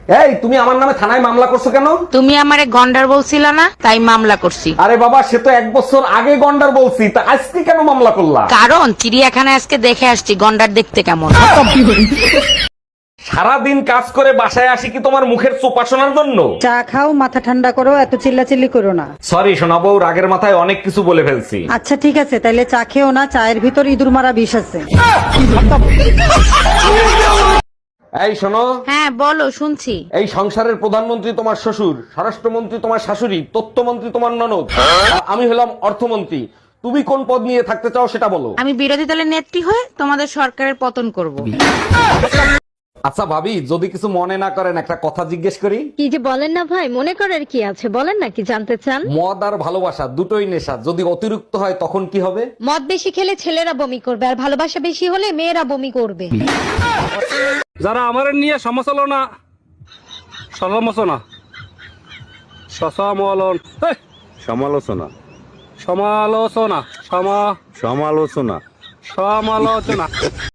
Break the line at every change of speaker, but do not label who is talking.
এই তুমি আমার নামে থানায় মামলা করছো কেন?
তুমি আমারে গন্ডার বলছিলা না, তাই মামলা করছি।
আরে বাবা, সে তো 1 বছর আগে গন্ডার বলছি, তা আজকে কেন মামলা করলা?
কারণ চিড়িয়াখানায় আজকে দেখে আসছি গন্ডার দেখতে কেমন।
সারাদিন কাজ করে বাসায় আসি কি তোমার মুখের চোপা শোনার জন্য?
চা খাও, মাথা ঠান্ডা করো, এত চিল্লাচিল্লি করো না।
সরি শোনাবো, রাগের মাথায় অনেক কিছু বলে ফেলছি।
আচ্ছা ঠিক আছে, তাইলে চা খেও না, চায়ের ভিতর ইঁদুর মারা বিষ আছে।
এই শোনো,
হ্যাঁ বলো, শুনছি।
এই সংসারের প্রধানমন্ত্রী তোমার শ্বশুর, স্বরাষ্ট্রমন্ত্রী তোমার শাশুড়ি, তথ্যমন্ত্রী তোমার ননদ, আর আমি হলাম অর্থমন্ত্রী। তুমি কোন পদ নিয়ে থাকতে চাও সেটা বলো।
আমি বিরোধী দলের নেত্রী হয়ে তোমাদের সরকারের পতন করব।
আচ্ছা ভাবি, যদি কিছু মনে না করেন একটা কথা জিজ্ঞেস করি।
কি যে বলেন না ভাই, মনে করার কি আছে, বলেন না কি জানতে চান।
মদ আর ভালোবাসা দুটোই নেশা, যদি অতিরিক্ত হয় তখন কি হবে?
মদ বেশি খেলে ছেলেরা বমি করবে, আর ভালোবাসা বেশি হলে মেয়েরা বমি করবে।
যারা আমার নিয়ে সমালোচনা সমালোচনা
সমালোচনা
সমালোচনা
সমালোচনা
সমালোচনা